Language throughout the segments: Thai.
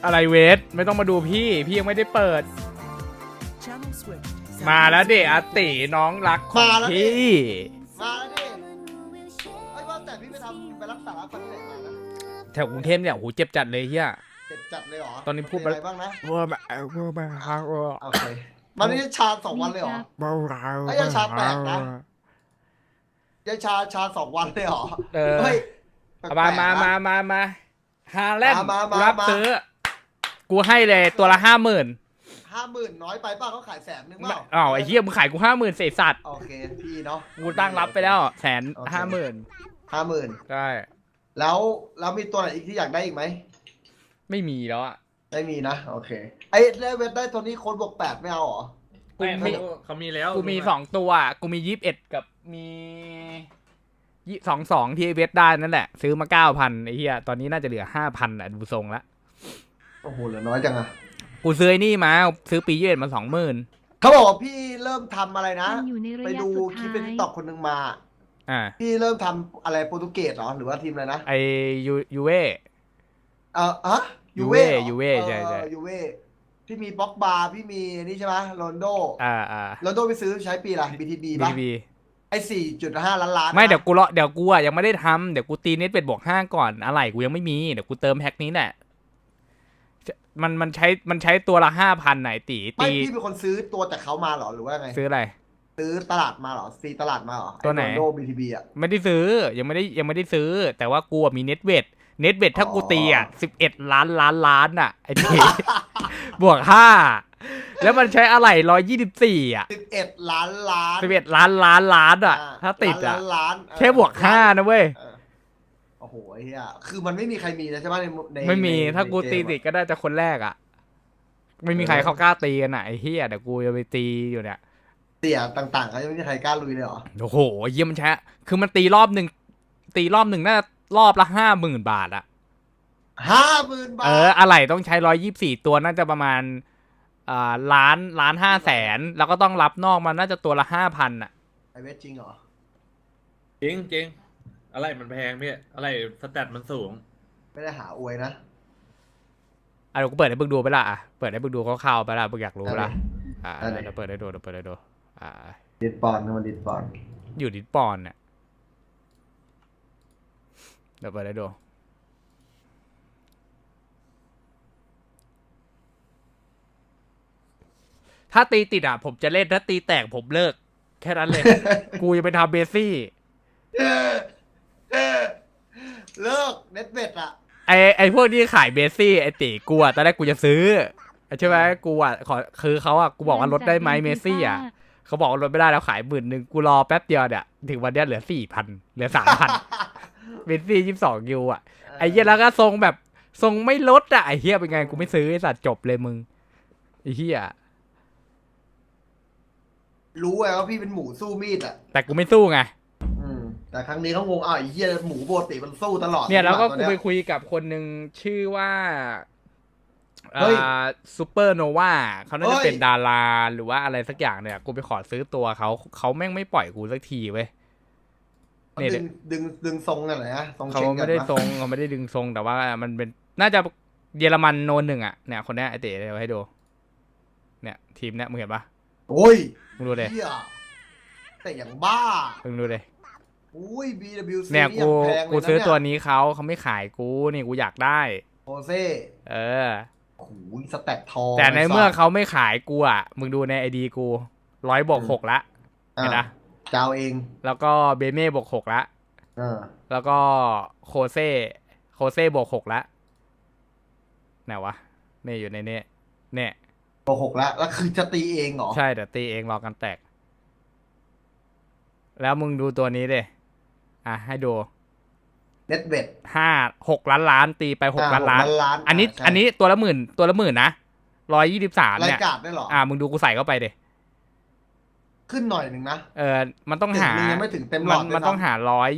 อะไรเวทไม่ต้องมาดูพี่ยังไม่ได้เปิดมาแล้วเดอาติน้องรักของพี่มาแล้วดิไอ้ว่าแต่พี่ไปรักษาฟันที่ไหนมานะแถวกรุงเทพเนี่ยโหเจ็บจัดเลยเฮียเจ็บจัดเลยเหรอตอนนี้พูดอะไรบ้างนะว่าแบบโอเคมันนี่ชา2 วันเลยเหรอไอ้ยังชาแปลกนะยังชา2 วันเลยเหรอเฮ้ยมาฮาแลนด์รับซื้อกูให้เลยตัวละ50,000 น้อยไปป่ะเขาขาย100,000เปล่าอ้าวไอ้เหี้ยมึงขายกู50,000เศษสัตว์โอเคพี่เนาะกูตั้งรับไปแล้ว150,000ใช่แล้วมีตัวไหนอีกที่อยากได้อีกไหมไม่มีแล้วอ่ะไม่มีนะโอเคไอ้ได้เวทได้ตัวนี้คนบวก8ไม่เอาหรอเขามีแล้วกูมี2ตัวกูมี21กับมี22ที่เวทได้นั่นแหละซื้อมา 9,000 ไอ้เหี้ยตอนนี้น่าจะเหลือ 5,000 อ่ะดูทรงละโอ้โหเหลือน้อยจังอะกูซื้อนี่มาซื้อปี21มา 20,000 เขาบอกว่าพี่เริ่มทำอะไรนะไปดูคลิปเป็นตอกคนหนึ่งมาพี่เริ่มทำอะไรโปรตุเกสเหรอหรือว่าทีมอะไรนะไอยูเว่ยูเว่ใช่ยูเว่พี่มีบ็อกบาร์พี่มีนี่ใช่ไหมโรนโดโรนโดไปซื้อใช้ปีอะไร BTB ป่ะไอ้4.5 ล้านไม่เดี๋ยวกูยังไม่ได้ทำเดี๋ยวกูตีเน็ตเป็ดบวก5ก่อนอะไรกูยังไม่มีเดี๋ยวกูเติมแพ็คนี้แหละมันใช้ตัวละ 5,000 ไหนตีพี่เป็นคนซื้อตัวจากเขามาหรอหรือว่าไงซื้ออะไรซื้อตลาดมาหรอซีตลาดมาหรอตัวไหนโรนโด BTB อ่ะไม่ได้ซื้อยังไม่ได้ซื้อแต่ว่ากูมีเน็ตเวทถ้ากูตีอ่ะ11 ล้านอ่ะไอ้ทีบวก5แล้วมันใช้อะไร124อ่ะ 11 ล้าน 11 ล้านอ่ะถ้าติดอ่ะแค่บวก5นะเว้ยโอ้โหไอ้เหี้ยคือมันไม่มีใครมีนะใช่ไหมในไม่มีถ้ากูตีติดก็ได้จะคนแรกอ่ะไม่มีใครเขากล้าตีกันไหนเฮียเดี๋ยวกูจะไปตีอยู่เนี่ยเตี่ยต่างๆเขายังไม่มีใครกล้าลุยเลยเหรอโอ้โหเยี่ยมมันใช้คือมันตีรอบหนึ่งน่ารอบละ50,000 บาทอะ 50,000 บาทอะไรต้องใช้124ตัวน่าจะประมาณ1,500,000แล้วก็ต้องรับนอกมันน่าจะตัวละ5,000อะไอเวทจริงเหรอจริงอะไรมันแพงพี่อะไรสแตทมันสูงไม่ได้หาอวยนะเดี๋ยวกูเปิดให้บึกดูไปละเปิดให้บึกดูคร่าวๆไปละบึกอยากรู้ละเดี๋ยวเปิดให้ดูดิสปอนมันดิสปอนอยู่ดิสปอนเนี่ยเดี๋ยวเปิดให้ดูถ้าตีติดผมจะเล่นถ้าตีแตกผมเลิกแค่นั้นเลย กูจะไปทำเบซี่เลิกเน็ตเบ็ดไอพวกที่ขายเบซี่ไอตีกูตอนแรกกูจะซื้อใช่ไหมกูคือเขากูบอกว่าลดได้ไหมเมซี่เขาบอกว่าลดไม่ได้แล้วขาย10,000กูรอแป๊บเดียวเนี่ยถึงวันนี้เหลือ 4,000 เหลือ 3,000 เมซี่22 ยูไอเหี้ยแล้วก็ทรงแบบทรงไม่ลดไอเหี้ยเป็นไงกูไม่ซื้อไอสัตว์จบเลยมึงไอเหี้ยรู้ไงว่าพี่เป็นหมูสู้มีดแต่กูไม่สู้ไงแต่ครั้งนี้เขางงไอ้เหี้ยหมูปกติมันสู้ตลอดเนี่ยแล้วก็กูไปคุยกับคนหนึ่งชื่อว่าซูเปอร์โนวาเขาน่าจะเป็นดาราหรือว่าอะไรสักอย่างเนี่ยกูไปขอซื้อตัวเขาแม่งไม่ปล่อยกูสักทีเว้ยเนี่ยดึงทรงอะไรนะเขาไม่ได้ทรงเขาไม่ได้ดึงทรงแต่ว่ามันเป็นน่าจะเยอรมันโน1เนี่ยคนนี้ไอเต๋เอาให้ดูเนี่ยทีมเนี่ยมึงเห็นปะโอ้ยมึงดูเลยแต่อย่างบ้ามึงดูเลยอุ้ย BWC เนี่ยกูซื้อตัวนี้เขาไม่ขายกูนี่กูอยากได้โอเซ่โอ้โหสแต็กทองแต่ในเมื่อเขาไม่ขายกูมึงดูในไอดีกู100+6ละเห็นนะเจ้าเองแล้วก็เบเม่+6ละแล้วก็โคเซ่+6ละไหนวะเนี่ยอยู่ในนี้เนี่ย +6ละแล้วคือจะตีเองเหรอใช่แต่ตีเองรอกันแตกแล้วมึงดูตัวนี้ดิให้ดูเน็ตเบ็ด 6 ล้านตีไป6 ล้านอันนี้ตัวละหมื่นนะ123เนี่ยรายการได้หรอมึงดูกูใส่เข้าไปดิขึ้นหน่อยหนึ่งนะมันต้องหายังไม่ถึงเต็มหลอดมันต้องหา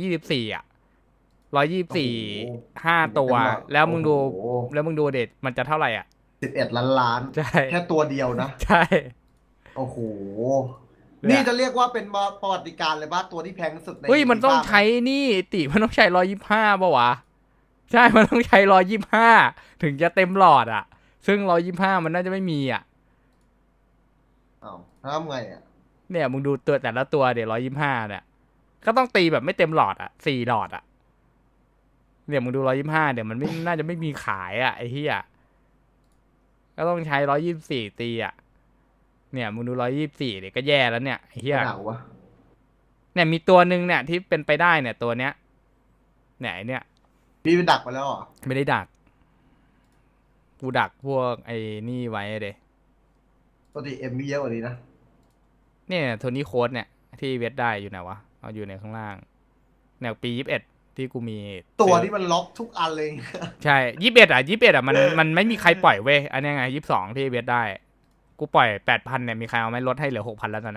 124 5 ตัวแล้วมึงดูเด็ดมันจะเท่าไหร่ 11 ล้านใช่แค่ตัวเดียวนะใช่โอ้โหนี่จะเรียกว่าเป็นประวัติการเลยป่ะตัวที่แพงสุดในมันต้องใช้นี่ติมันต้องใช้125ป่ะวะใช่มันต้องใช้125ถึงจะเต็มหลอดอ่ะ ซึ่ง125มันน่าจะไม่มีอ่ะอ้าวแล้วทำไงอ่ะเนี่ยมึงดูตัวแต่ละตัวเดี๋ยว125เนี่ยก็ต้องตีแบบไม่เต็มหลอดอ่ะ4หลอดอ่ะเนี่ยมึงดู125เดี๋ยวมันไม่น่าจะไม่มีขายอ่ะไอ้เหี้ยก็ต้องใช้124ตีอ่ะเนี่ยมึงดู124เดี๋ยวก็แย่แล้วเนี่ยไอ้เหี้ยหนาววะเนี่ยมีตัวหนึ่งเนี่ยที่เป็นไปได้เนี่ยตัวเนี้ยเนี่ยไอ้เนี่ยพี่ไปดักไปแล้วเหรอไม่ได้ดัก กูดักพวกไอ้นี่ไว้เดยปกติเอ็มมีเยอะกว่านี้นะเนี่ยโทนี่โค้ดเนี่ยที่เวทได้อยู่ไหนวะเอาอยู่ในข้างล่างแนวปี21ที่กูมีตัวที่มันล็อกทุกอันเลยใช่21มันไม่มีใครปล่อยเว้ยอันนี้ไง22ที่เวทได้ กูปล่อย8,000เนี่ยมีใครเอาไหมลดให้เหลือ6,000แล้วตอนนี้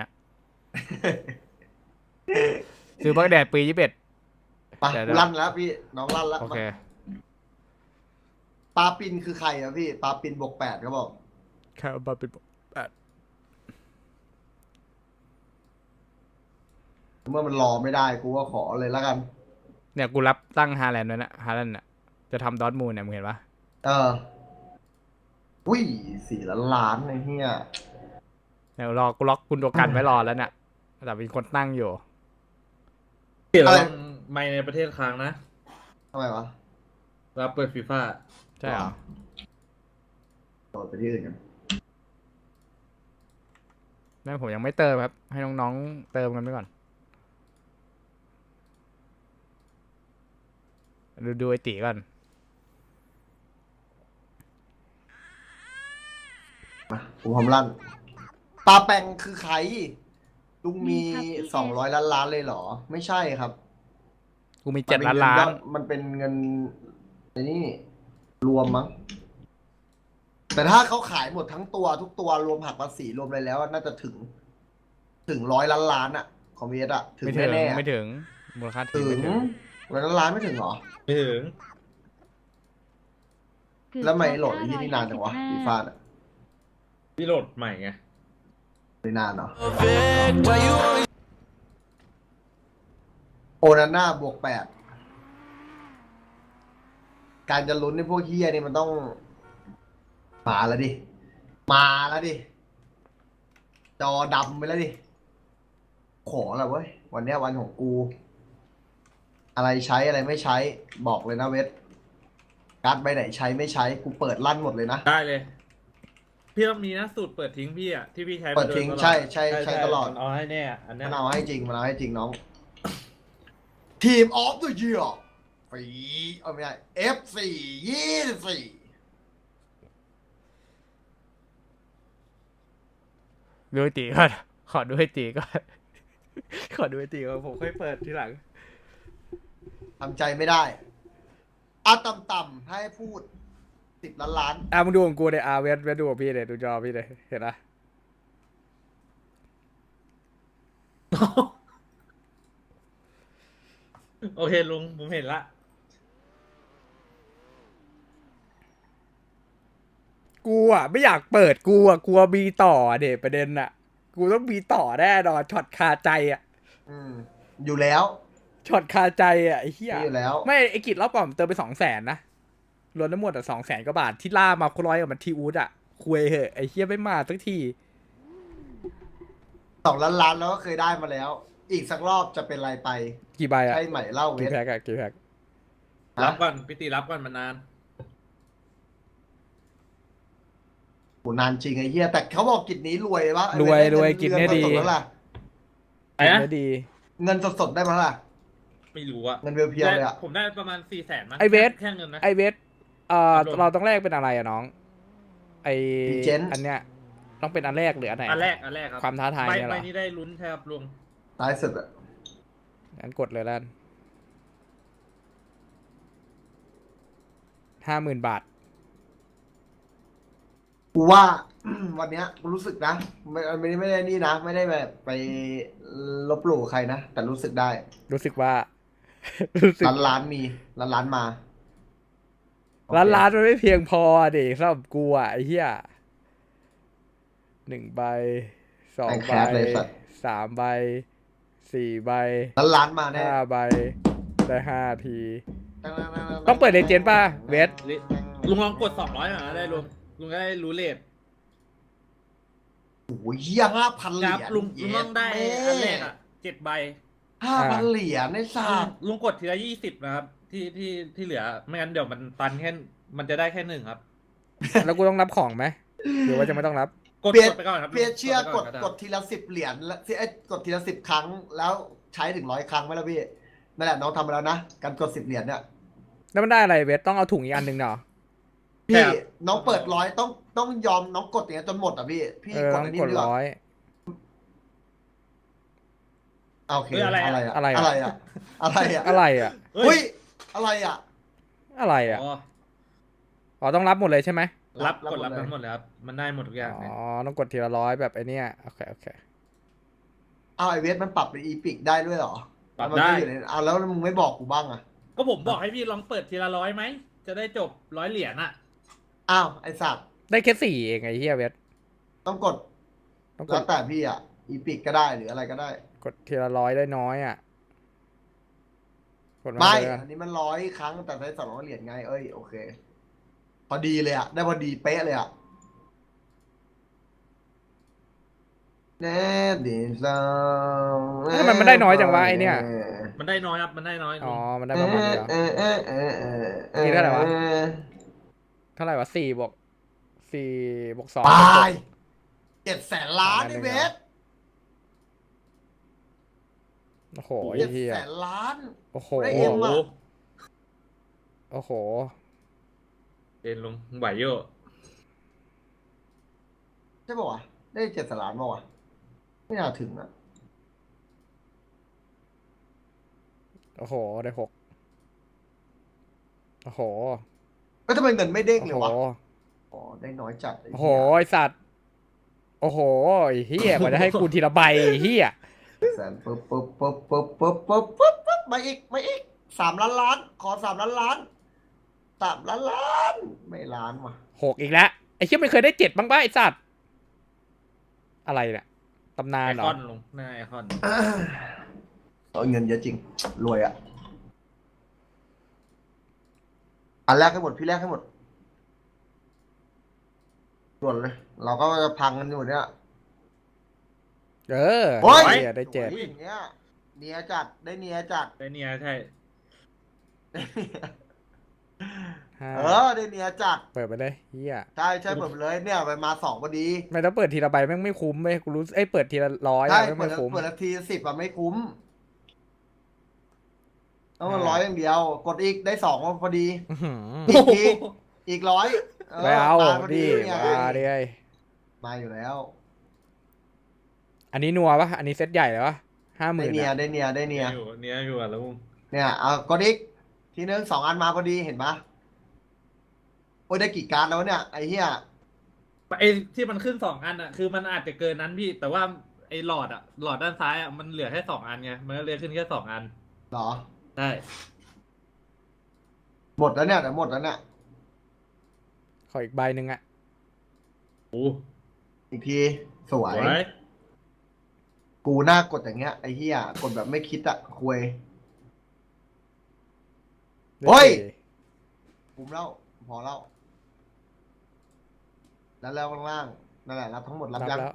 ซื้อบักแดดปี21 ไปลั่นแล้วพี่น้องลั่นแล้วโอเคปลาปินคือใครอะพี่ปลาปินบวก8เขาบอกแค่บัตเป็น8 เมื่อมันรอไม่ได้กูก็ขอเลยแล้วกันเนี่ยกูรับตั้งฮาแลนด์ไว้นะฮาแลนด์น่ะจะทำดอร์ทมูลเนี่ยมึงเห็นปะเอออุ้ย4 ล้านไอ้เหี้ยเดี๋ยวรอกูล็อกคุณตัวกันไว้รอแล้วเนี่ยแต่เป็นคนตั้งอยู่พี่เราต้องไม่ในประเทศค้างนะทำไมวะรับเปิดฟีฟ่าใช่เหรอโดดไปที่อื่นกันนั่นผมยังไม่เติมครับ ให้น้องๆเติมกันไปก่อน ดูไอตีก่อนมาผมพร้อมลั่นปลาแปงคือใครลุงมีมีครับพี่ 200 ล้านเลยเหรอ ไม่ใช่ครับกูมี7 ล้านมันเป็นเงินไอ้นี่รวมมั้ง แต่ถ้าเขาขายหมดทั้งตัวทุกตัวรวมหักภาษีรวมอะไรแล้วน่าจะถึง100 ล้านอะของเวสอะถึงไม่ถึงแน่ๆอะไม่ถึงมูลค่าถึถึงงไม่ถึง 100 ล้านไม่ถึงเหรอไม่ถึงแล้วไม่โหลดไอ้ที่นี่นานจังวะฟีฟ่าอะพี่โหลดใหม่ไงไม่นานเนาะโอนาน่าบวก8การจะลุ้นในพวกเฮียนี่มันต้องมาแล้วดิ มาแล้วดิ จอดำไปแล้วดิ ขอแล้วเว้ย วันเนี้ยวันของกู อะไรใช้อะไรไม่ใช้ บอกเลยนะเวทการ์ดใบไหนใช้ไม่ใช้ กูเปิดลั่นหมดเลยนะได้เลย พี่ต้องมีนะสูตรเปิดทิ้งพี่อ่ะที่พี่ใช้มาเปิดทิ้งโยตลอใช่ตลอดมันเอาให้แน่อันเนี้มัยนเอาให้จริง มันเอาให้จริงน้อง ทีมออฟเดอะเยียร์ปีเอาไม่ได้ F4 24 ดูไอตีก่อน ขอดูไอตีก่อน ขอดูไอตีก่อนผมค่อยเปิดทีหลังทำใจไม่ได้เอาต่ำๆให้พูด10 ล้านมึงดูของกูเลยเวทดูของพี่เลยดูจอพี่เลยเห็นปะโอเคลุงผมเห็นละกูอ่ะไม่อยากเปิดกูอ่ะกลัวมีต่อเด็ประเด็นอ่ะ กูต้องมีต่อแน่นอนช็อตคาใจอ่ะอยู่แล้วช็อตคาใจอ่ะไอ้เหี้ยมีอยู่แล้วไม่ไอ้กิจรอบก่อนเติมไป200,000นะรวมทั้งหมดอ่ะ200,000กว่าบาทที่ล่ามาร้อยกับมันทีอูดอ่ะคุยเหอะไอ้เหี้ยไม่มาสักที 2 ล้านแล้วก็เคยได้มาแล้ว อีกสักรอบจะเป็นไรไปกี่ใบอ่ะใช่ไหมเล่าเวกี่ทแพ็กอ่ะกี่แพ็กรับก่อนพี่ตีรับก่อนมานานโหนานจริงไอ้เหี้ยแต่เขาบอกกิจนี้รวยปะรวยกิจเนี่ยดีเงินสดๆแล้วล่ะไอ้นะไม่ดีเงินสดๆได้ไหมล่ะไม่รู้อะเงินเพียวๆเลยอะผมได้ประมาณ400,000มั้งไอเวทแค่เงินนะไอเวทครับผมเราต้องแลกเป็นอะไรอ่ะน้อง ไอ Legend อันเนี้ยต้องเป็นอันแรกหรืออันไหนอันแรกครับความท้าทายใบเนี่ยเหรอนี้ได้ลุ้นใช่ครับลุงท้ายสุดอะงั้นกดเลยแล้ว50,000 บาทกูว่า วันเนี้ยกูรู้สึกนะไม่ได้นี่นะ ไม่ได้แบบไปลบหลู่ใครนะ แต่รู้สึกได้รู้สึกว่า รู้สึกล้านมีล้านมาโอเคล้านมันไม่เพียงพอเด็กสำหรับกูอ่ะไอ้เหี้ย1 ใบ 2 ใบ 3 ใบ 4 ใบล้านมาแน่ 5 ใบได้5 ทีต้องเปิดเลเจนด์ป่ะเวสลุงลองกด200หน่อยนะได้ลุงก็ได้รู้เลทโอ้ยเหี้ย5,000 เหครีรัยบญลุงต้องได้อันแรกอ่ะ7 ใบ 5,000 เหรียญในศาสตร์ลุงกดทีละ20นะครับที่เหลือไม่งั้นเดี๋ยวมันตันแค่มันจะได้แค่1ครับแล้วกูต้องรับของไหมหรือว่าจะไม่ต้องรับกดเพียไปก่อนครับเพียเชื่อไปกนดได้กดทีละ10 เหรียญแล้วกดทีละ10 ครั้งแล้วใช้ถึง100 ครั้งไหมล่ะพี่นั่นแหละน้องทำไปแล้วนะการกด10 เหรียญเนี่ยแล้วมันได้อะไรเวสต้องเอาถุงอีกอันหนึ่งเนาะพี่น้องเปิด100ต้องยอมน้องกดอย่างเงี้ยจนหมดอ่ะพี่กต้ดองอันนี้กดดีกว่า 100 โอเคอะไรอะไรอะอะอะไรอะอะไรอะอะไรอะอะไรอ่ะเฮ้อุ้ยยอะไรอะอะไรอ่ะอ๋ออ๋อต้องรับหมดเลยใช่ไหมรับรับกดรับหมดเลยทั้งหมดเลยครับมันได้หมดทุกอย่างอ๋เลยอต้องกดทีละ100แบบไอเนี้ยโอเคเอาไอเวสมันปรับเป็นอีพิกได้ด้วยเหรอปรับมันได้ม่อยู่ในแล้วมึงไม่บอกกูบ้างอะก็ผมบอกให้พี่ลองเปิดทีละ100ไหมจะได้จบ100 เหรียญอ่ะอ้าวไอสัตว์ได้แค่4เองไอ้เหี้ยเวสต้องกดต้องกแล้วดแต่พี่อะอีพิกก็ได้หรืออะไรก็ได้กดทีละ100ได้น้อยอ่ะกดมาไม่เลยกันอันนี้มัน100 ครั้งแต่ใช้200 เหรียญไงเอ้ยโอเค พอดีเลยอะได้พอดีเป๊ะเลยอะแน่ดีจังทำไมมันได้น้อยจังวะไอเนี้ยมันได้น้อยครับมันได้น้อยอ๋อมันได้ประมาณนี้เหรอนี่เท่าไหร่วะ เท่าไหร่วะ4 บวก 4 บวก 2 ตาย700,000 ล้านไอเวสโอ้โหไอ้เหี้ย 700,000 ล้านโอ้โหได้โอ้เอ็มโหอะโอ้โหเอ็นลงไหวโย่ใช่ป่าวะได้700,000 ล้านป่าวะไม่น่าถึงอะโอ้โหได้6โอ้โหแล้วทำไมเงินไม่เด้งโอ้เลโหยวะอ๋อได้น้อยจัดไโอ้โหไอสัตว์โอ้โหไอ้เหี้ยกว่าจะให้กูทีละใบไอ้เหี้ยแสนปุ๊บมาอีก3 ล้านขอ3 ล้าน3 ล้านไม่ล้านว่ะ 6อีกแล้วไอ้เหี้ยมันเคยได้7บ้างป่ะไอสัตว์อะไรเนี่ยตำนาไอนเหรคออนลงหน้าไอคอนเอาเงินเยอะจริง รวยอะอันแรกให้หมดพี่แรกให้หมดส่วนเลย เราก็จะพังกันอยู่เนี่ยเออโอ้ยเหี้ยได้7 สวยอย่างเงี้ยเนียจัดได้เนียจัดได้เนี่ยใช่ห้าได้เนียจัดเปิดไปเลยเหี้ยใช่เปิดไปเลยเนี่ยไปมา2พอดีไม่ต้องเปิดทีละใบแม่งไม่คุ้มเว้ยกูรู้เอ้ยเปิดทีละ100 ใช่อะแม่งเปิดไม่คุ้มเปิดนาที10อะไม่คุ้มต้องมัน100 อย่างเดียว กดอีกได้2พอดีอื้อหืออีกทีอีก100 ไม่เอามาพอดิเนี่ยมาดิไอ้มาอยู่แล้วอันนี้นัวปะอันนี้เซตใหญ่เลยวะ50,000 ได้เนียอะได้เนียได้เนียอยู่อะแล้วมึงเนี่ยเอากดอีกทีนึง2 อันมาพอดีเห็นปะโอ้ยได้กี่การ์ดแล้วเนี่ยไอ้เหี้ยไอที่มันขึ้น2 อันอ่ะคือมันอาจจะเกินนั้นพี่แต่ว่าไอหลอดด้านซ้ายอ่ะมันเหลือแค่2 อันไงมันก็เลยขึ้นแค่2 อันเหรอใช่หมดแล้วเนี่ยแต่หมดแล้วเนี่ยขออีกใบหนึ่งอะโอ้อีกทีสวยสวยกูหน้ากดอย่างเงี้ยไอ้เหี้ยกดแบบไม่คิดอะคุย โอ้ย คุ้มแล้วพอแล้วแล้วข้างล่างนั่นแหละรับทั้งหมดรับรับยังแล้ว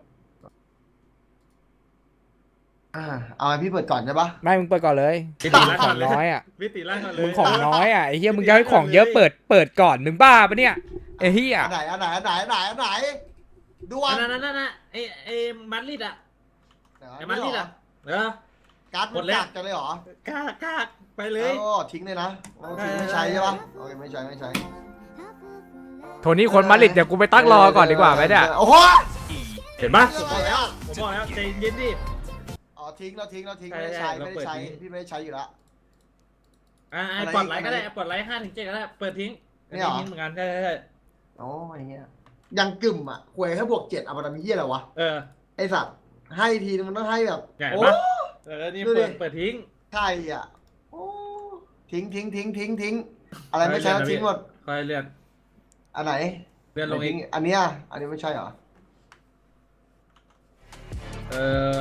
เอาให้พี่เปิดก่อนใช่ปะไม่มึงเปิดก่อนเลยพี่ตีมึล่างงขก่ออง นเลยน้อยอะพี่ตีล่างก่อนเลยมึงของน้อยอะไอ้เหี้ยมึงจะให้ของเยอะเปิดก่อนมึงบ้าปะเนี่ยไอ้เหี้ยอันไหนดูอัอันนนั้นไอมัดลิดอ่ะไอมัดลิดอ่ะการ์ดหมมัดนแล้วกักจะเลยเหรอกล้าไปเลยโอ้ทิ้งเลยนะทิ้งไม่ใช้ใช่ปะโอเคไม่ใช้โทนี่คนมาดริดเดี๋ยวกูไปตั้งรอก่อนดีกว่าไหมเนี่ยโอ้โหเห็นปะผมบอกแล้วใจเย็นดิอ๋อทิ้งไม่ได้ใช้ใช่เราเปิดทิ้งพี่ไม่ได้ใช้อยู่แล้วปลดไลค์ก็ได้ปลดไลค์5 ถึง 7ก็ได้เปิดทิ้งนี่เหรอทิ้งเหมือนกันใช่โอ้ยเงี้ยยังกึ่มอ่ะหวยแค่บวก7เอามาทำเหี้ยอะไรวะ ไอสัตว์ให้ทีนึงมันต้องให้แบบใหญ่โอ้ปะนี่เปิดทิ้งใช่อ่ะโอ้ทิ้งอะไรไม่ใช่แล้วทิ้งหมดคอยเลื่อนอันไหนเลื่อนลงอีกอันเนี้ยอันนี้ไม่ใช่เหรอ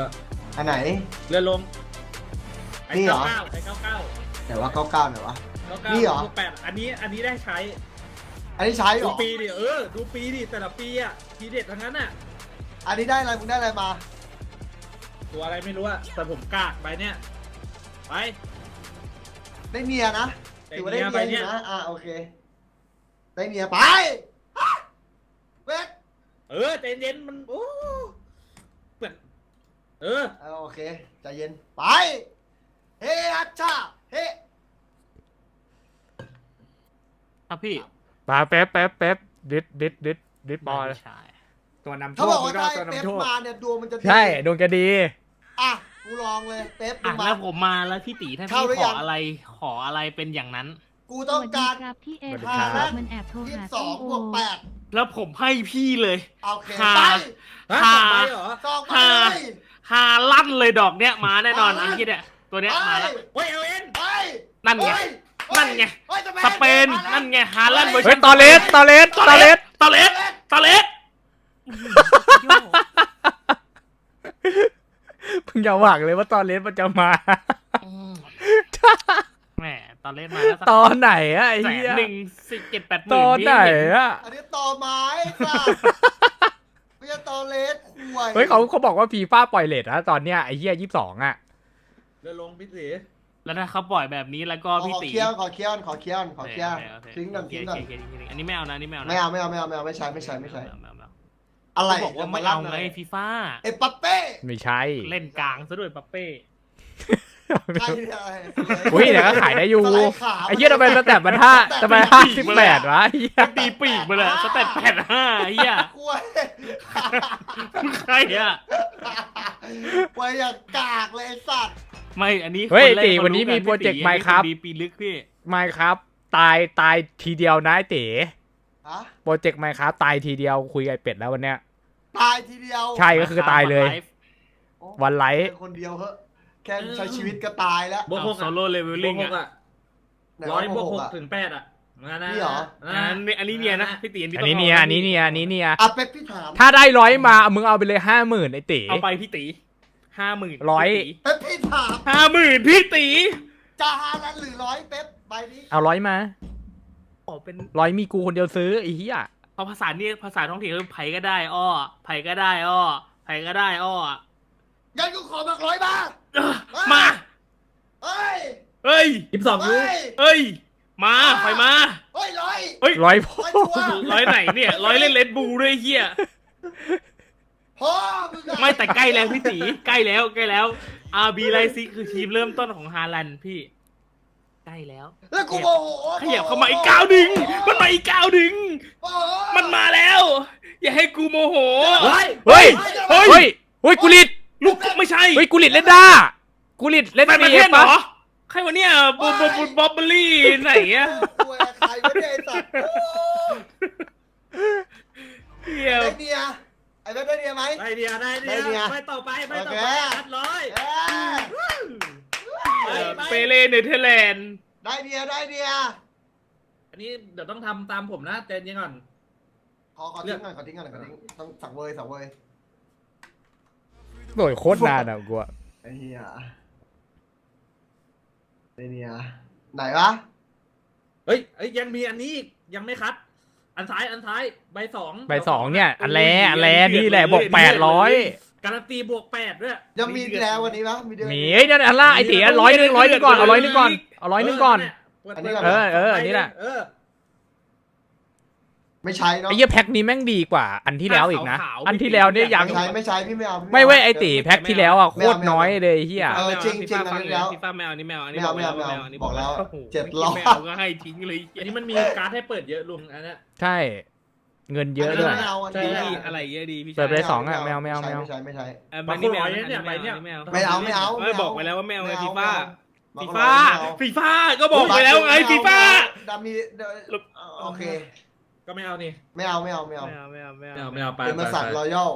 อันไหนเลื่อนลงนี่เหรอไอ้99 แต่ว่า99ไหนวะไนี่เหรอบวก8อันนี้ได้ใช้อันนี้ใช้เหรดูอปีดิดูปีดิแต่ละปีอ่ะทีเด็ดทั้งนั้นอ่ะอันนี้ได้อะไรมึงได้อะไรมาตัวอะไรไม่รู้อะแต่ผมกากไปเนี่ยไปได้เมียนะได้ถือว่าได้เมียเมียไปอเนี่ยู่ยนะโอเค ได้เมียไปเวทใจเย็นมันโอ้เหมือนโอเคใจเย็นไปเฮ้ฮัชชาเฮ้ครับพี่มาแป๊บดิดบอลใช่ตัวนำโชเขาบคอกว่าก็ถ้าตัวนำเป๊ปโชคมาเนี่ยดวงมันจะดีใช่ดวงจะดีอ่ะกูลองเลยเป๊ปมึอ่ะงมาแล้วผมมาแล้วพี่ตีถ้าเข้าพี่หรือขยัอง อะไรเป็นอย่างนั้นกูต้องการสวัสดีครับพี่เอสวัสดีคครัรับ บมันแอบโทรยี่หาสิบสองบวกแปดแล้วผมให้พี่เลยโอเคหาไปฮะหาสองใบเหรอสองไปหาเลยฮาลั่นเลยดอกเนี้ยมาแน่นอนมาอันคิดเนี่ยตัวเนี้ยไปมาแล้วเฮ้ยเอาเอ็นไปนั่นไงเฮ้ยนั่นไงฮ้ยสเปนนั่นไงฮาลั่นเวอร์เฮ้ชัยนตอเลสตอเลสตอเลสตอเลสเพิ่งจะหวังเลยว่าตอเลสมันจะมาแหมตอเลสมาแล้วสักตอนไหนอะไอ้แสเหี้ยนหนึ่ง17-8 หตมื่อน นไหนอะอันนี้ต่อไม้ค่ะไม่ใช่ต่อเลสควยเฮ้ยเขาบอกว่าฟีฟ่าปล่อยเลทนะตอนเนี้ยไอ้เหี้ย22อะเดี๋ยวลงพี่สีแล้วถ้าเขาปล่อยแบบนี้แล้วก็ขพี่อตีเคี้ยวขอเคี้ยวขอเคี้ยวขอเคี้ยวโอเคทิ้งก่อนทิ้งก่อนโอเคอันนี้ไม่เอานะอันนี้ไม่เอานะไม่เอาไม่ใช่ไม่ใช่อะไรเขาบอกว่าไม่เอาไงฟีฟ่าเอ้ปัปเป้ไม่ใช่เล่นกลางซะด้วยปัปเป้ใครเนี่ยอุ้ยเดี๋ยวก็ขายได้อยู่สไลด์ขาไอ้เหี้ยทำไมสแตทมันทำไม58วะไอ้เหี้ยตีปีกมาเลยสเต็ป85เฮียกล้วยใครอ่ะกล้วยอย่างกากเลยไอ้สัตว์ไม่อันนี้เฮ้ยคแรกตีขาวันนี้มีกัโปรเจกต์พี่ไหมครับดีปีลึกพี่ไม่ครับตายทีเดียวนะไอ้เต๋ฮะโปรเจกต์ไหมครับตายทีเดียวคุยกับไอ้เป็ดแล้ววันเนี้ยตายทีเดียวใช่ก็คือตายเลยโอ้วันไลฟ์แค่คนเดียวเหอะแค่ใช้ชีวิตก็ตายแล้วบวกหกโซโล่เลเวลบวลิ่กงหกอ่ะอะ100บวก6ถึง8อะนะนี่เหรออันนี้เนี่ยนะพี่ตีอันนี้เนี่ยอันนี้เนี่ยอันนี้เนี่ยอ่ะเป๊ปพี่ถามถ้าได้100มามึงเอาไปเลย50,000ไอ้เต๋เอาไปพี่ตี50,000 ร้อยเป๊ปพี่ถาม 50,000พี่ตีจะหานั้นหรือร้อยเป๊ปใบนี้เอา100มาขอเป็น 100มีกูคนเดียวซื้อไอ้เหี้ยเอาภาษานี่ภาษาท้องถิ่นคือไผก็ได้อ้อไผก็ได้อ้อไผก็ได้อ้องั้นกูขอมา100บาทมาเฮ้ยเฮ้ย 22ยูเฮ้ยเฮ้ยมาไปมาเฮ้ยร้อยเฮ้ย 100พอร้อยชัวร์ร้อยไหนเนี่ยร้อยเล่นเลดบูด้วยเฮียพ่อมึงอะไม่แต่ใกล้แล้วพี่ตีใกล้แล้วอาร์บีไลซิคือทีมเริ่มต้นของฮาลันด์พี่ใกล้แล้วแล้วกูโมโหขยับเข้ามาอีกก้าวหนึ่งมันมาอีกก้าวหนึ่งโอ้โหมันมาแล้ว อย่าให้กูโมโหเฮ้ยเฮ้ยเฮ้ยกูลิดลูกไม่ใช่เฮ้ยกูลิดเล่นได้กูลิดเล่นไปประดีเทศเหรปะอใครวะเนี่ยบูบ๊อบเบอรี่ไหนอะกูไอ้ใครไม่ได้ไอ้สัตว์โอ้เฮียได้เนียไอ้เป๊ปได้เนียไหมได้เดียวได้เดียวไปต่อไปโอเคอัดร้อยเอ้ยไปเปเรเนเธอร์แลนด์ได้เนียได้เนียอันนี้เดี๋ยวต้องทำตามผมนะใจเย็นก่อนขอทิ้งก่อนขอทิ้งก่อนต้องสังเวยสังเวยโดยโคตรนานอ่ะกูอะไอ้เหี้ยได้เนียไหนวะเฮ้ยยังมีอันนี้อีกยังไม่คัด อันซ้ายใบ2 ใบ2เนี่ยอันแรนี่แหละบอก800 การันตีบวก8ด้วยยังมีอีกแล้ววันนี้ปะมีเดือนมีไอ้นั่นอันล่าไอ้เต๋100ก่อนเอา100ก่อนเอา100ก่อนอันนี้ก่อนอันนี้แหละไม่ใช้เนาะไอ้เหี้ยแพ็คนี้แม่งดีกว่า อันที่แล้วอีกนะอันที่แล้วเนี่ยยังไม่ใช้พี่ไม่เอาไม่เว้ยไอ้เต๋แพ็คที่แล้วอ่ะโคตรน้อยเลยไอ้เฮียเออจริงๆอันนี้แล้วฟีฟ่าไม่เอาอันนี้ไม่เอาอันนี้ไม่เอาอันนี้บอกแล้วโโห 700 ไม่เอาก็ให้ทิ้งเลยอันนี้มันมีการ์ดให้เปิดเยอะลุงอันเนี้ยใช่เงินเยอะด้วยไม่เอาอันใช่นี้อะไรเยอะดีพี่เปิดไปชายสองอะไม่เอาไม่ใช้ใบนี้ไม่เอาไม่เอาไม่เอาไม่บอกไปแล้วว่าไม่เอาไงฟีฟ่าไม่ฟีเอาฟ่าฟีฟ่าก็บอกไปแล้วไงฟีฟ่าดามีโอเคก็ไม่เอานี่ไม่เอาไม่เอาไม่เอาไปเป็นบริษัทรอยัล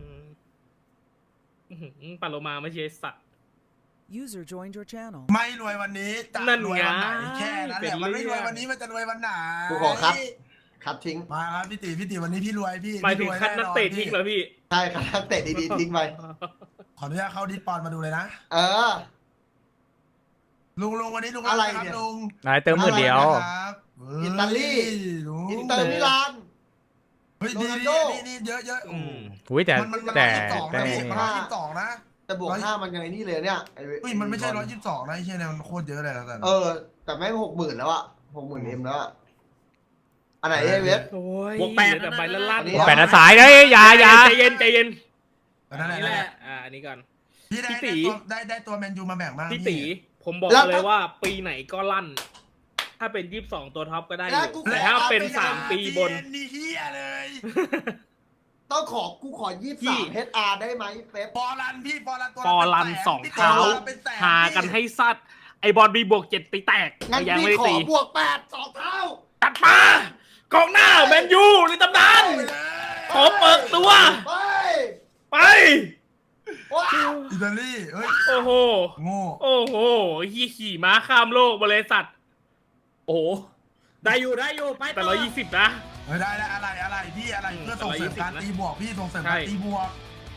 ปาโลมาไม่ใช่สัตว์ User joined your channel. ไม่รวยวันนี้จะนั่นรวยไงวันไหนแค่นั้นแหเป็นละมันไม่เรื่รองวยวันนี้มันจะรวยวันไหนกูขอคัดทิ้งมาครับพี่ตีวันนี้พี่รวยพี่หมายถึงพี่รวยคัดนักเตะทิ้งเหรอพี่ใช่คัดนักเตะดีๆทิ้งไปขออนุญาตเข้าดิสปอนมาดูเลยนะเออลุงวันนี้ลุงอะไรคบเนี่ยลุงนายเติมหมื่นเดียวครับอิตาลีลุงอินเตอร์มิลานเฮ้ยโรนัลดีโดนี่เยอะอืมอุ้ยแต่มันแต่ 122 แต่นะพี่มัน122นะแต่บวก5มันยังไงนี่เลยเนี่ยเฮ้ยมันไม่ใช่122นะไอ้เชี่ยเนี่ยมันโคตรเยอะเลยนะแต่แต่แม่ง60,000แล้วอะ60,000 M แล้วอะอันไหนไอ้เวสโอ้ยบวกแปดแต่ใบละลั่นอันนี้แปดนะสายเด้ยอย่าใจเย็นใจเย็นนั่นแหละนี่แหละอันนี้ก่อนพี่พี่ตีได้ตัวแมนยูมาแบ่งบ้างพี่ตีผมบอกเลยว่าปีไหนก็ลั่น ถ้าเป็น22ตัวท็อปก็ได้อยู่แต่ถ้าเป็น3 ปีบนนี่เฮียเลยต้องกูขอพี่ 23 HR ได้ไหมเป๊ปฟอรันพี่ฟอรันตัวฟอรันเป็นแสสองพี่เท้าเป็นแสหากันให้ซัดไอบอลบีบวก7ตีแตกงั้นยังพี่ไม่ได้ขอตีบวก8 2 เท่าตัดมากองหน้าแมนยูในตำนานขอเปิดตัวไปไปว้าวอิตาลีเฮ้ยโอ้โหโง่โอ้โหขี่ม้าข้ามโลกบริษัทโอ้โหได้อยู่ไปแต่ต่อ 120นะเฮ้ยได้อะไรพี่อะไรเพื่อส่งเสริมการตีบวกพี่ส่งเสริมใช่การตีบวก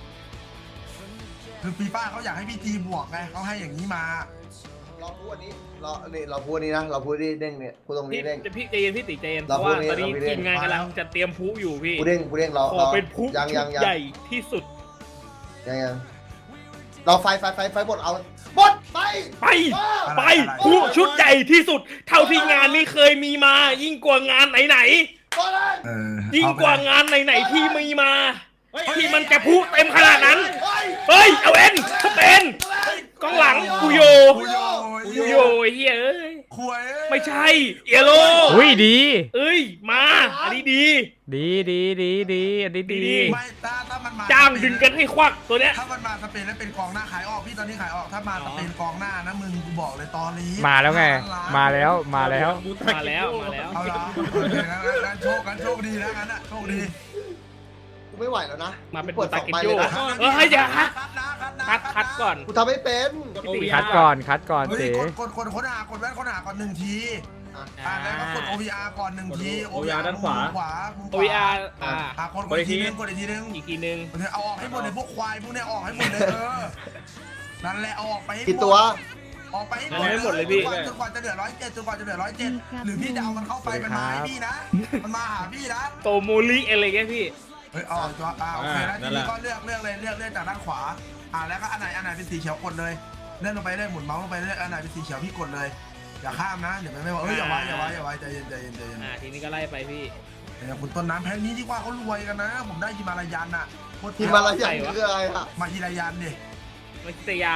คือฟีฟ่าเขาอยากให้พี่ตีบวกไงเขาให้อย่างนี้มาเราพูดอันนี้เราพูดอันนี้นะเราพูดที่เด้งเนี่ยพูดตรงพี่นี้เด้งพี่ใจเย็นพี่ติใจเย็นเพเราราะว่าพูดตอนนี้เราพูดทีมงานกำลังจะเตรียมพลุอยู่พี่พูดเด้งเราขอเป็นพลุยังชุดใหญ่ที่สุดยังเราไฟบดเอาบดไปไปไปพลุชุดใหญ่ที่สุด เท่าที่งานนี้เคยมีมา ยิ่งกว่างานไหนบดเลยๆยิ่งกว่างานไหนๆที่มีมา ที่มันจะพลุเต็มขนาดนั้นเฮ้ยเฮ้ยเอาเอ็นสเปนกองหลังกูโยคุยโยกูโยไอ้เฮียเอ้ยคุยไม่ใช่เอโลอุ้ยดีเอ้ยมาอันนี้ดีดีอันนี้ดีดีไม่ถ้ามันมาจ้างดึงกันให้ควักตัวเนี้ยถ้ามันมาสเปนแล้วเป็นกองหน้าขายออกพี่ตอนนี้ขายออกถ้ามาสเปนกองหน้านะมึงกูบอกเลยตอนนี้มาแล้วไง มาแล้วมาแล้วเอาละงั้นโชคดีนะงั้นอะโชคดีกูไม่ไหวแล้วนะมาเป็นเปิดตา 2 เก็ตใบโยเลยนะเออให้อย่าคัดคัดก่อนกูทำไม่เป็นคัดก่อนเฮ้ยเต๋กดค้นหากดแว่นค้นหาก่อน1 ทีอ่าแล้วก็กด OVR ก่อน1 ที OVR ด้านขวามุม OVR กดอีกทีนึงกดอีกทีนึงอีกทีนึงเอาออกให้หมดเลยพวกควายพวกเนี้ยออกให้หมดเลยนั่นแหละเอาออกไปให้กี่ตัวออกไปให้ให้หมดเลยพี่จนกว่าจะเหลือ107จนกว่าจะเหลือ107หรือพี่จะเอามันเข้าไปมันมาให้พี่นะมันมาหาพี่นะโตโมลิอะไรเงี้ยพี่เฮ้ยเอาตัวโอเคแล้วทีนี้ก็เลือกเลยเลือกจากด้านขวาแล้วก็อันไหนเป็นสีเขียวกดเลยเลื่อนลงไปเรื่อยหมุนเมาส์ลงไปเรื่อยอันไหนเป็นสีเขียวพี่กดเลยอย่าข้ามนะเดี๋ยวไม่บอกอย่าไว้ใจเย็นทีนี้ก็ไล่ไปพี่แต่คุณต้นน้ำแพ้นี้ดีกว่าเขารวยกันนะ ผมได้ฮิมาลายันอ่ะทีมอะไรอย่างคืออะไรอะมาฮิมาลายันดิมาคิตยาน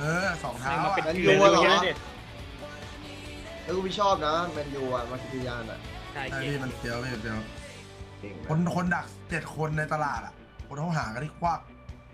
2 เท้ามาเป็นอ่ะเกลือเลยเนี่ยแล้วกูไม่ชอบนะแมนยูอะมาคิติยานอะใช่ไอ้เก่นี่งมันเดียวเก่งคนดัก7 คนในตลาดอ่ะคนเขาหากันที่ควัก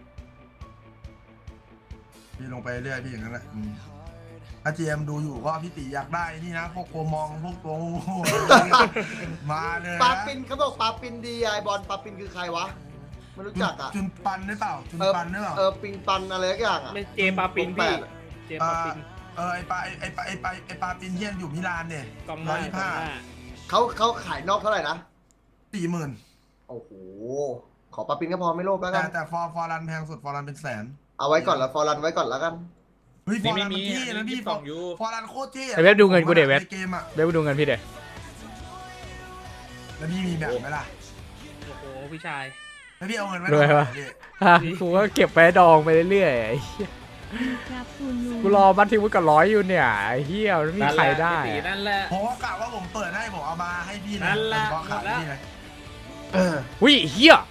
พี่ลงไปเรื่อยพี่อย่างนั้นแหละถ้าเจมดูอยู่ก็พี่ตีอยากได้นี่นะพวกโกมองพวกตัวมาเลยปาปินเขาบอกปาปินดีไอบอลปาปินคือใครวะไม่รู้จักอะจุนปันหรือเปล่าจุนปันหรือเปล่าปิงปันอะไรสักอย่างอะไม่เจปาปินพี่เจปาปินไอปาปินเฮียนอยู่มิลานเนี่ยกองหน้ากองหน้าเขาขายนอกเท่าไหร่นะ 40,000 โอ้โหขอปาปินก็พอไม่โลภแล้วกันแต่ฟอรันแพงสุดฟอรันเป็นแสนเอาไว้ก่อนแล้วฟอรันไว้ก่อนแล้วกันเฮ้ยฟนี่อไม่รันมีมันเท่นะพี่ 2ยูฟอรันโคตรเท่ไอ้เว็บดูเงินกูเดี๋ยวเว็บในเกมอ่ะเดี๋ยวไปดูเงินพี่เดี๋ยวแล้วพี่มีแบบไหมล่ะโอ้โหพี่ชายแล้วพี่เอาเงินไว้รวยวะพี่กูก็เก็บไปดองไปเรื่อยๆไอ้เหี้ยครับคุณลุงกูรอบัตรทีวุฒิกับ100อยู่เนี่ยไอ้เหี้ยไม่มีใครได้นั่นแหละผมก็กะว่าผมเปิดให้ผมเอามาให้พี่นั่นแหละผมก็ขายให้พี่เลยอุ้ยเหี้ย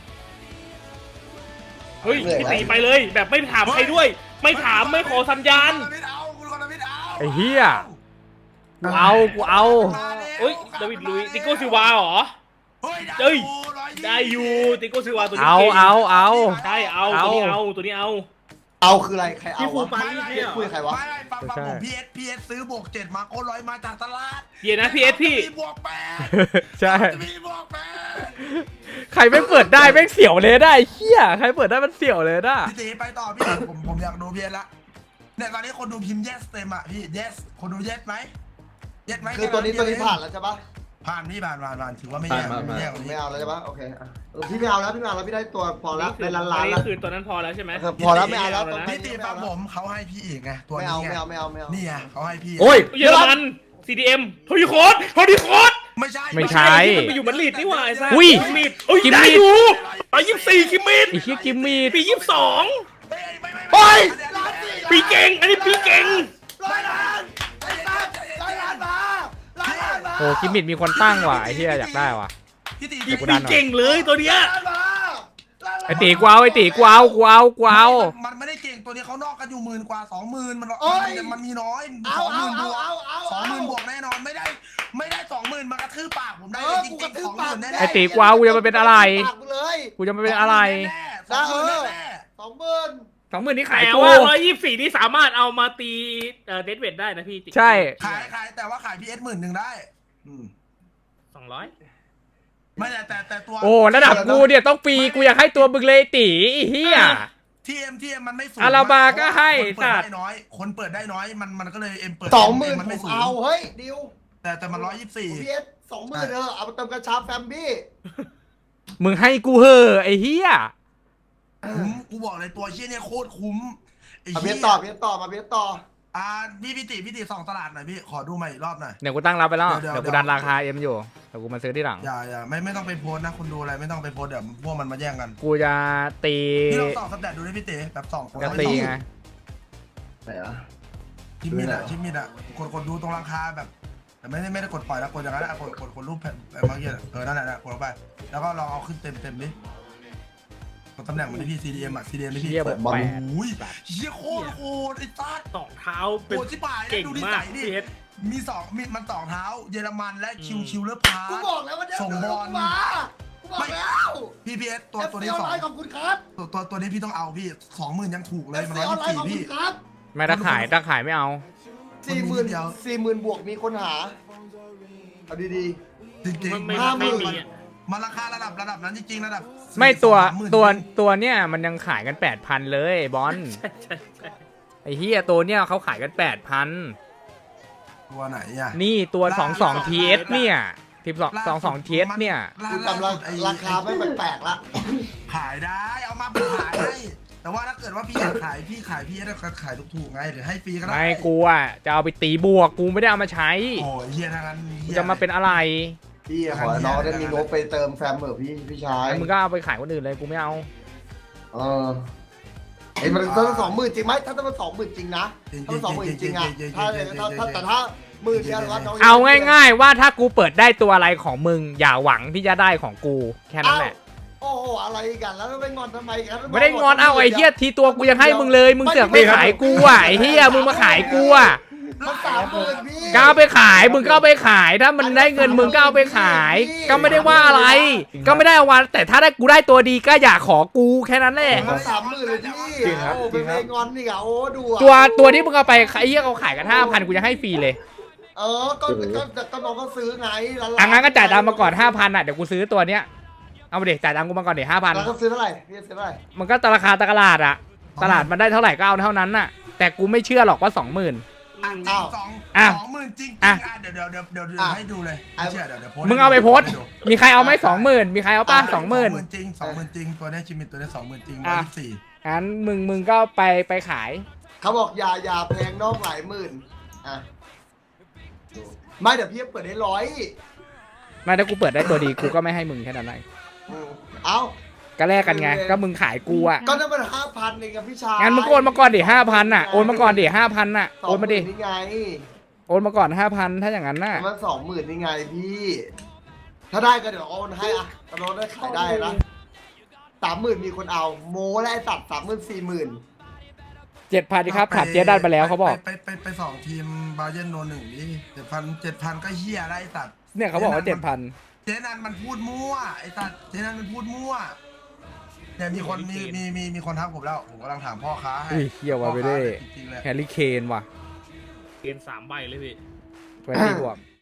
เฮ้ยพี่ตีไปเลยแบบไม่ถามใครด้วย ไม่ถามไม่ขอสัญญาณคุณคนละมิดเอาไอ้เหี้ยกูเอาเฮ้ยดาวิดลุยติโก้ซิวาเหรอเฮ้ยเฮ้ย ได้อยู่ติโก้ซิวาตัวนี้เอาเก่งเอาใช่เอาตัวนี้เอาตัวนี้เอาเอาคืออะไรใครเอาพี่ครูวะปารีสเนี่ยคุยใครวะไม่ฟังผมพีเอสซื้อบวก7มาโคร้อยมาจากตลาดเดี๋ยวนะพี่เอสพี่มีบวก8 ใช่มีบวก8 ใครไม่เปิดได้แม่งเสียวเลยได้ไอ้เหี้ยใครเปิดได้มันเสียวเลยนะพี่ตีไปต่อพี่ ผมอยากดูเพียนละเนี่ยตอนนี้คนดูพิมพ์ yes เต็มอ่ะพี่ yes คนดู yes ไหม yes ไหมคือตัวนี้ผ่านแล้วใช่ปะผ่านพี่ผ่านถือว่าไม่แย่ไม่แย่กว่านี้ไม่เอาแล้วใช่ปะโอเคอ่ะพี่ไม่เอาแล้วพี่ไม่เอาแล้วพี่ได้ตัวพอแล้วได้ล้านอันแล้วนี้คือตัวนั้นพอแล้วใช่ไหมพอแล้วไม่เอาแล้วพี่ตีฟังผมเขาให้พี่อีกไงตัวไม่นี้เอาไงไม่เอาไม่เอาไม่เอานี่ไงเขาให้พี่โอ้ยเยอรมัน CDM โทนี่โค้ดไม่ใช่ไม่ใช่ที่มันไปอยู่มันลีดนี่หว่าไอ้ซ่าอุ้ยกิมมิดอุ้ยกิมมิดได้อยู่124กิมมิดไอ้เหี้ยกิมมี่ปี22 โอ้ยปีเก่งอันนี้ปีเก่ง 100 ล้านไอ้สัส100 ล้านมา100 ล้านมาโอ้กิมมิดมีคนตั้งว่ะไอ้เหี้ยอยากได้ว่ะพี่ตีเดี๋ยวกูปีดันหน่อยเก่งเลยตัวเนี้ยล้านมาไอ้ตีกูเอาไอ้ตีกูเอามันไม่ได้เก่งตัวนี้เขานอกกันอยู่10,000 กว่า 20,000มันมีน้อยเอา 20,000 บวกเอา 20,000 บวกแน่นอนไม่ได้ 20,000มันกระทืบปากผมได้เอเลยอจริกูงกระๆทืบปาก 20,000แน่ไอ้ตีกูเอากูจะมาเป็นอะไรปากกูเลยกูจะมาเป็นอะไร 20,000แน่ 20,000 นี่ขายแต่กูว่า124นี่สามารถเอามาตีเดดเวทได้นะพี่ใช่ขายแต่ว่าขายพีเอส10,000ได้ 200 ไม่แต่ตัวโอ้ระดับกูเนี่ยต้องฟรีกูอยากให้ตัวมึงเลยไอ้ตีไอ้เหี้ยทีเอ็มมันไม่สูงอาราบาก็ให้คนเปิดสัตว์ได้น้อยคนเปิดได้น้อยมันก็เลยเอ็มเปิด 20,000 มันผไม่มสูงเอาเฮ้ยดิวแต่มันพีเอส20,000เออเอาไปเติมกระชับแฟมบี้มึงให้กูเหอะไอ้เหี้ยคุ้มกูบอกเลยตัวเชี่ยเนี่ยโคตรคุ้มไอ้เอาเหี้เบียยต่อเบียต่อมาเบียต่อพี่ติส่องตลาดหน่อยพี่ขอดูใหม่อีกรอบหน่อยเดี๋ยวกูตั้งรับไปแล้วเดี๋ยวเดี๋ยวกูดันราคาเอ็มอยู่เดี๋ยวกูมาซื้อที่หลังอย่าไม่ต้องไปโพสนะคนดูอะไรไม่ต้องไปโพสเดี๋ยวพวกมันมาแย่งกันกูจะตีพี่ลองส่องสแตทดูดิพี่ติแบบส่องคนจะตีไงไหนอ่ะชิมมิดอ่ะกดดูตรงราคาแบบแต่ไม่ได้กดปล่อยแล้วกดอย่างนั้นอะกดรูปแผ่นเมื่อกี้นั่นแหละกดลงไปแล้วก็ลองเอาขึ้นเต็มดิกดตำแหน่งมันที่พี่ CDM อ่ะ CDM ที่พี่เหี้ยเปิดแปดโอ้ยเฮียโคตรโหดไอ้ตัดสองเท้าเป็นโหดที่ป่ายเก่งดูนิมาสักยดิพี่เอสมีมัน2เท้าเยอรมันและคิวเลอร์พากูบอกแล้วว่าเดี๋ยวส่งบอลมากูบอกแล้วพี่พีเอสตัวนี้ FC สองออนไลน์ขอบคุณครับตัวนี้พี่ต้องเอาพี่ 20,000ยังถูกเลย FC มันออนไลน์ขอบ 124 คุพี่ณครับไม่ถ้าขายไม่เอา 40,000 บวกมีคนหาเอาดีจริงไม่ๆไม่มีอะมันราคาระดับนั้นจริงๆระดับไม่ตัว 30,000 ตัวเนี่ยมันยังขายกัน 8,000 เลยบอลใช่ไอ้เฮียตัวเนี่ยเขาขายกัน 8,000 ตัวไหนอ่ะนี่ตัว22 TS เนี่ย22 TS เนี่ยๆกูจำราคาไม่แปลกๆละขายได้เอามาขายให้แต่ว่าถ้าเกิดว่าพี่อยากขายพี่จะขายถูกๆไงหรือให้ฟรีก็ได้ไม่กูอ่ะจะเอาไปตีบวกกูไม่ได้เอามาใช้โอ้ยเฮียทางนั้นกูจะมาเป็นอะไรพี่ขอน้องได้มีงบไปเติมแฟมเหรอพี่ชายแล้วมึงก็เอาไปขายคนอื่นเลยกูไม่เอาเออไอ้มันต้อง20,000จริงไหมถ้ามัน20,000จริงนะถ้ามัน20,000จริงอะถ้าแต่ถ้า10,000เดียวก็น้องเอาง่ายๆว่าถ้ากูเปิดได้ตัวอะไรของมึงอย่าหวังที่จะได้ของกูแค่นั้นแหละโอ้โหอะไรกันแล้วไม่งอนทำไมกันไม่ได้งอนเอาไอ้เหี้ยทีตัวกูยังให้มึงเลยมึงเสือกไม่ขายกูอ่ะไอ้เหี้ยมึงมาขายกูอ่ะมัน30,000พี่ก็เอาไปขายมึงก็เอาไปขายถ้ามันได้เงินมึงก็เอาไปขาย ก็ไม่ได้ว่าอะไร ก็ไม่ได้ว่าแต่ถ้าได้กูได้ตัวดีก็อย่าขอกูแค่นั้นแหละมัน30,000เลยพี่โอ้เป็นงอนนี่อ่ะโอ้ดูตัวที่มึงเอาไปไอ้เหี้ยเขาขายกัน 5,000กูจะให้ฟรีเลยเออก็น้องก็ซื้อไงอ่ะงั้นก็จ่ายตังค์มาก่อน 5,000อ่ะเดี๋ยวกูซื้อตัวเนี้ยเอาไปเด็กจ่ายตังค์กูมาก่อนเดี๋ยวแล้วก็ซื้อเท่าไหร่พี่ซื้อเท่าไหร่ 5,000มันก็ราคาตลาดอ่ะตลาดมันได้เท่าไหร่ก็เอาเท่านั้นน่ะแต่กูไม่เชื่อหรอกว่า 20,000 20,000จริงๆเดี๋ยวให้ดูเลยไม่เชื่อเดี๋ยวโพสมึงเอาไปโพสต์มีใครเอาไหม20,000มีใครเอาป่ะ 20,000 จริง20,000จริงตัวนี้ชิมิตตัวนี้20,000จริงอ่ะ 124 งั้นมึงก็ไปขายเขาบอกอย่าแพงนอกหลายหมื่นอ่ะไม่เดี๋ยวพี่เปิดได้100 ไม่ถ้ากูเปิดได้ตัวดีกูก็ไม่ให้มึงแค่นั้นเองเอ้าก็แลกกันไงก็มึงขายกูอ่ะก็นั่นมัน5,000เองกับพี่ชายงั้นมึงโอนมาก่อนดิ5,000น่ะโอนมาก่อนดิ5,000น่ะโอนมาดิ 20,000นี่ไงโอนมาก่อน 5,000ถ้าอย่างนั้นน่ะมัน20,000นี่ไงพี่ ถ้าได้ก็เดี๋ยวโอนให้อ่ะตอนได้ขายได้นะ30,000มีคนเอาโม้และไอ้สัตว์40,000 7,000ดิครับถามเจ๊ดันไปแล้วเขาบอกไปสองทีมบาเยนโน1นี่7,000ก็เฮียอะไรสัตว์เนี่ยเขาบอกว่า 7,000 เจนันมันพูดมั่วไอ้สัตว์เจนันมันพูดมั่วเนี่ยมีคนทักผมแล้วผมกำลังถามพ่อค้าให้อุ้ยเฮียวาไปเด้จริงๆเลยแฮร์รี่เคนว่ะเกณฑ์3 ใบเลยพี่ 20 บวก